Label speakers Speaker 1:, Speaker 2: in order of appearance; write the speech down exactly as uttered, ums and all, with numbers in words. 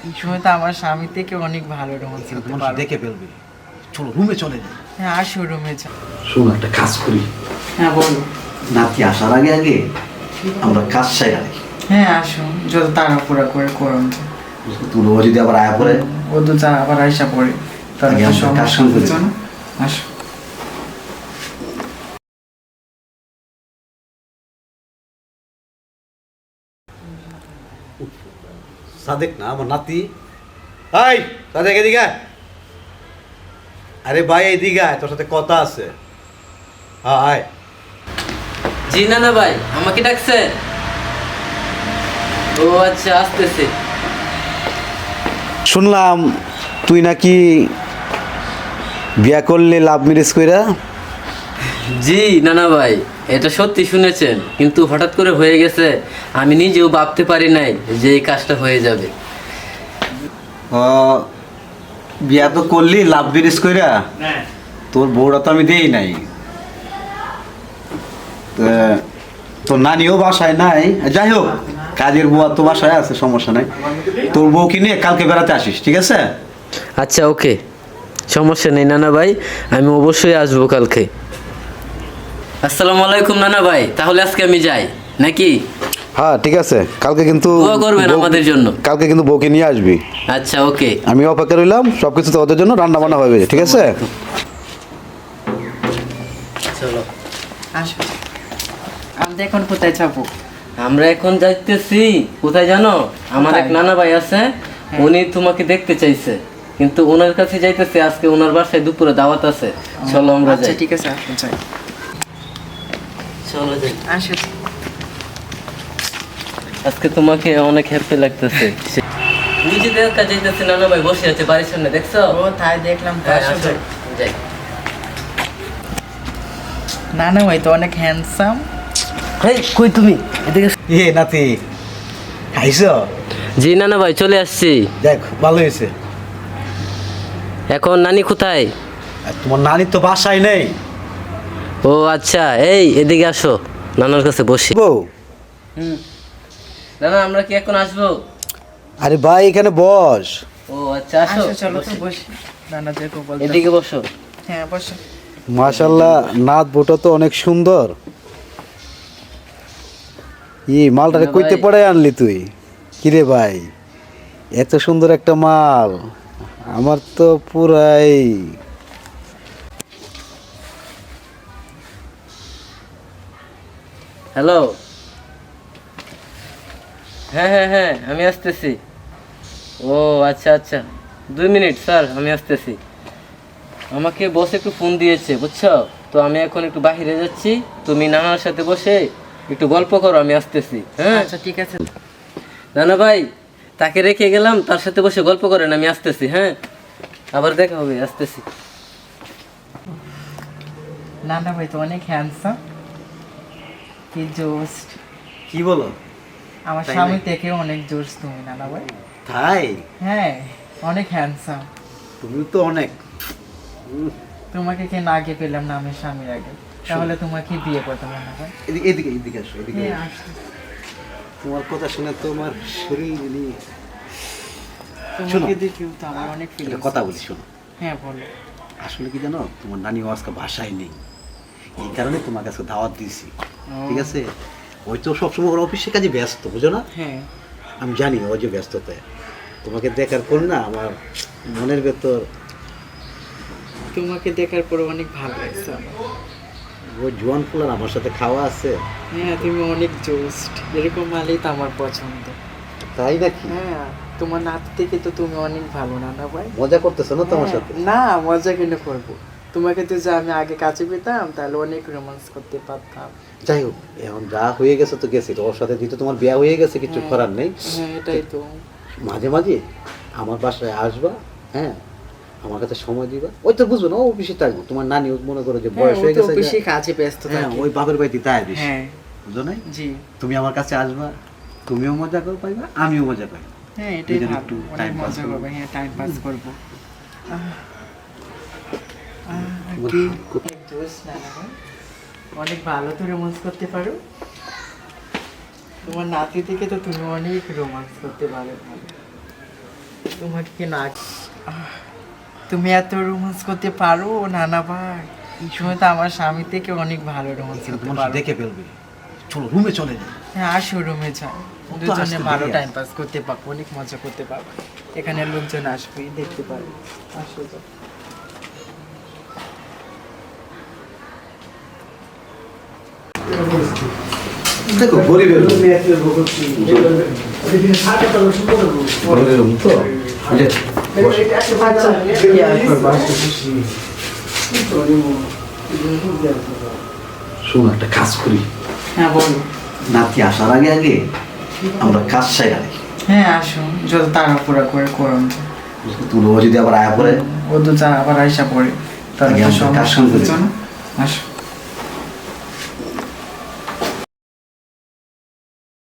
Speaker 1: এই সময় তো আমার স্বামী থেকে অনেক ভালো রোমান্স করতে
Speaker 2: মানুষ
Speaker 1: পারো।
Speaker 2: দেখে ফেলবে। চলো রুমে চলে যাই।
Speaker 1: হ্যাঁ আসো রুমে যাও।
Speaker 2: শোন একটা কাজ করি,
Speaker 1: হ্যাঁ বলো।
Speaker 2: নাতি আসার আগে আগে আমরা কাজ সাইরা রাখি।
Speaker 1: হ্যাঁ আসো, যত তাড়াহুড়া করে করুন।
Speaker 2: তুলো যদি আবার আয়া পড়ে,
Speaker 1: ও তো যা আবার আইসা পড়ে, তার
Speaker 2: আগে আমরা কাজ
Speaker 1: সমস্যা
Speaker 2: শুরু করি।
Speaker 1: হচ্ছে না। আসো।
Speaker 2: সাদেক না আমার নাতি। হাই সাদেক, এদিকে আয়। আরে ভাই এদিকে আয়, তোর সাথে কথা আছে। হ্যাঁ আয়।
Speaker 3: জি নানা ভাই, আমাকে ডাকছে? ও আচ্ছা, আসতেছে।
Speaker 2: শুনলাম তুই নাকি বিয়া করলে লাভ ম্যারেজ কইরা।
Speaker 3: জি নানা ভাই, এটা সত্যি শুনেছেন, কিন্তু হঠাৎ করে হয়ে গেছে। আমি নিজেও ভাবতে পারি নাই যে এই কাজটা হয়ে যাবে।
Speaker 2: ও বিয়া তো করলি লাভ ম্যারেজ কইরা, তোর বউটা তো আমি দেই নাই। তা তোর নানিও বাসায় নাই, যাই হোক কাজের বুয়া তো বাসায় আছে, সমস্যা নাই। তোর বউকে নিয়ে কালকে বেড়াতে আসিস, ঠিক আছে?
Speaker 3: আচ্ছা ওকে, সমস্যা নেই নানা ভাই, আমি অবশ্যই আসবো কালকে। আসসালামু আলাইকুম নানা ভাই, তাহলে আজকে আমি যাই নাকি?
Speaker 2: হ্যাঁ ঠিক আছে, কালকে কিন্তু
Speaker 3: দোয়া করবেন
Speaker 2: বউ-
Speaker 3: আমাদের জন্য।
Speaker 2: কালকে কিন্তু বউকে নিয়ে আসবি।
Speaker 3: আচ্ছা ওকে।
Speaker 2: আমি অপেক্ষা রইলাম, সব কিছু তোদের জন্য রান্না বান্না হবে, ঠিক আছে?
Speaker 3: চলো।
Speaker 1: আসো। আমরা এখন কোথায় যাবো?
Speaker 3: আমরা এখন যাইতেছি কোথায় জানো? আমার এক
Speaker 1: কোথায়?
Speaker 3: নানা ভাই আছে, উনি তোমাকে দেখতে চাইছে, কিন্তু ওনার কাছে যাইতেছে। আজকে ওনার বাসায় দুপুরে দাওয়াত আছে। চলো আমরা
Speaker 1: আচ্ছা
Speaker 3: যাই।
Speaker 1: ঠিক আছে, আসো যাই।
Speaker 3: চলো যাই।
Speaker 1: আসো।
Speaker 3: আজকে তোমাকে অনেক হ্যাপি লাগতেছে। নিজে দেখা যাইতেছে নানা ভাই বসে আছে বাড়ির সামনে, দেখছো?
Speaker 1: ও তাই দেখলাম তো,
Speaker 3: হ্যাঁ,
Speaker 1: আসো
Speaker 3: আসো,
Speaker 1: যাই।
Speaker 3: যাই।
Speaker 1: নানা ভাই তো অনেক হ্যান্ডসাম।
Speaker 3: হেই কই তুমি? এদিকে।
Speaker 2: এ নাতি খাইছো?
Speaker 3: জি নানা ভাই, চলে আসছি।
Speaker 2: দেখ ভালো হয়েছে।
Speaker 3: এখন নানি কোথায়?
Speaker 2: আর তোমার নানি তো বাসায় নেই।
Speaker 3: ও আচ্ছা, এই এদিকে আসো, নানার কাছে বসি।
Speaker 2: বউ,
Speaker 3: হুম। নানা আমরা কি এখন আসবো?
Speaker 2: আরে ভাই এখানে বস।
Speaker 3: ও আচ্ছা, আসো।
Speaker 1: আসো চলো তো
Speaker 3: বসি।
Speaker 1: বসি। নানা যেরকম বলতে।
Speaker 3: এদিকে বসো।
Speaker 1: হ্যাঁ বসো।
Speaker 2: মাশাল্লাহ, নাত বউটা তো অনেক সুন্দর। ই মালটারে
Speaker 3: না
Speaker 2: কইতে
Speaker 3: ভাই।
Speaker 2: পড়ে আনলি তুই? কিরে ভাই, এত সুন্দর একটা মাল, আমার তো পুরাই।
Speaker 3: হ্যালো। হ্যাঁ হ্যাঁ হ্যাঁ, আমি আসতেছি। ও আচ্ছা আচ্ছা, দুই মিনিট স্যার, আমি আসতেছি। আমাকে বস একটু ফোন দিয়েছে বুঝছো, তো আমি এখন একটু বাইরে যাচ্ছি। তুমি নানার সাথে বসে একটু গল্প করো, আমি আসতেছি। হ্যাঁ
Speaker 1: আচ্ছা ঠিক আছে।
Speaker 3: নানা ভাই, তাকে রেখে গেলাম, তার সাথে বসে গল্প করেন, আমি আসতেছি। হ্যাঁ, আবার দেখা হবে, আসতেছি।
Speaker 1: নানা ভাই তো অনেক হ্যান্ডসাম। কি জোস।
Speaker 2: কি বলো?
Speaker 1: আমার
Speaker 2: তাই
Speaker 1: স্বামী
Speaker 2: নাকি?
Speaker 1: থেকে অনেক জোস তুমি নানা ভাই।
Speaker 2: তাই?
Speaker 1: হ্যাঁ অনেক হ্যান্ডসাম।
Speaker 2: তুমি তো অনেক।
Speaker 1: তোমাকে কে না আগে পেলাম না আমি স্বামীর আগে, তাহলে তোমাকে বিয়ে করতাম না ভাই।
Speaker 2: এদিকে এদিকে এদিকে আসো, এদিকে
Speaker 1: হ্যাঁ
Speaker 2: আসো।
Speaker 1: আসো।
Speaker 2: তোমার কথা শুনে তো আমার শরীর নিয়ে। শোনো।
Speaker 1: তোমাকে দেখেও তো আমার অনেক
Speaker 2: একটা
Speaker 1: ফিলিংস।
Speaker 2: কথা বলি, শোনো।
Speaker 1: হ্যাঁ বলো।
Speaker 2: আসলে কি জানো, তোমার নানি আজকে বাসায় নেই, এই কারণে তোমার কাছে দাওয়াত দিয়েছি, ঠিক আছে? ওই তো সবসময় ওর অফিসের কাজে ব্যস্ত, বুঝো না?
Speaker 1: হ্যাঁ
Speaker 2: আমি জানি ও যে ব্যস্ততায়, তোমাকে দেখার পর না আমার মনের ভেতর
Speaker 1: তোমাকে দেখার পর অনেক ভালো লাগছে আমার।
Speaker 2: ওই জোয়ান ফুলার আমার সাথে খাওয়া আছে।
Speaker 1: হ্যাঁ তুমি অনেক জোস্ট, এরকম মালেই তো আমার পছন্দ।
Speaker 2: তাই নাকি?
Speaker 1: হ্যাঁ তোমার নাতি থেকে তো তুমি অনেক ভালো নানা ভাই।
Speaker 2: মজা করতেছো না তোমার
Speaker 1: হ্যাঁ,
Speaker 2: সাথে?
Speaker 1: না মজা কেন করবো, তোমাকে তো যে আমি আগে কাছে পেতাম তাহলে অনেক রোমান্স করতে পারতাম।
Speaker 2: যাই হোক, এখন যা হয়ে গেছে তো গেছে, ওর সাথে যেহেতু তোমার বিয়ে হয়ে গেছে, কিছু
Speaker 1: হ্যাঁ।
Speaker 2: করার নেই।
Speaker 1: হ্যাঁ এটাই তো।
Speaker 2: মাঝে মাঝে আমার বাসায় আসবা, হ্যাঁ, আমার কাছে সময় দিবা। ওই তো বুঝবো না, ও অফিসে থাকবো, তোমার নানি মনে করো যে
Speaker 1: হ্যাঁ,
Speaker 2: বয়স
Speaker 1: ও
Speaker 2: হয়ে
Speaker 1: তো
Speaker 2: গেছে,
Speaker 1: বেশি কাজে ব্যস্ত
Speaker 2: হ্যাঁ
Speaker 1: থাকে।
Speaker 2: ওই বাপের বাড়িতে তাই বেশি,
Speaker 1: হ্যাঁ
Speaker 2: বুঝো নাই?
Speaker 1: জি।
Speaker 2: তুমি আমার কাছে আসবা, তুমিও মজা করো পাইবা, আমিও মজা পাই।
Speaker 1: হ্যাঁ এটাই
Speaker 2: দুজনে
Speaker 1: ভালো,
Speaker 2: একটু
Speaker 1: অনেক
Speaker 2: time pass
Speaker 1: মজা
Speaker 2: করবো।
Speaker 1: করবো। হ্যাঁ টাইম পাস করবো। আহ, আহ,
Speaker 2: তোমার
Speaker 1: কি
Speaker 2: কো-
Speaker 1: এক জোশ নানা ভাই। অনেক ভালো তো রোমান্স করতে পারো। তোমার নাতি থেকে তো তুমি অনেক রোমান্স করতে পারো ভালো। তোমাকে কি না আহ, তুমি এত রোমান্স করতে পারো নানা ভাই? তুমি তো আমার স্বামী থেকে অনেক ভালো রোমান্স করতে
Speaker 2: তোমার
Speaker 1: পারো।
Speaker 2: দেখে ফেলবে। চলো রুমে চলে যাই।
Speaker 1: হ্যাঁ আসো রুমে যাই,
Speaker 2: ও তো
Speaker 1: দুজনে
Speaker 2: আসতে
Speaker 1: ভালো
Speaker 2: দেরি
Speaker 1: টাইম পাস করতে পারবো, অনেক মজা করতে পারবো। এখানে লোকজন আসবে, দেখতে পারবে। আসো যাও।
Speaker 2: দেখো গরিবের রুম। গরিবের রুম তো এই যে, বসো।
Speaker 1: কি আর করবো, আসো।
Speaker 2: শোন একটা কাজ করি,
Speaker 1: হ্যাঁ বলো।
Speaker 2: নাতি আসার আগে আগে আমরা কাজ সাইরা দিই।
Speaker 1: হ্যাঁ আসো, যত তাড়াহুড়া করে করুন।
Speaker 2: তুলো যদি আবার আয়া পড়ে
Speaker 1: ও তো যা আবার আইসা পড়ে, তাহলে
Speaker 2: আগে
Speaker 1: তো
Speaker 2: আমরা কাজ
Speaker 1: সমস্যা
Speaker 2: শুরু করি।
Speaker 1: হচ্ছে না। আসো।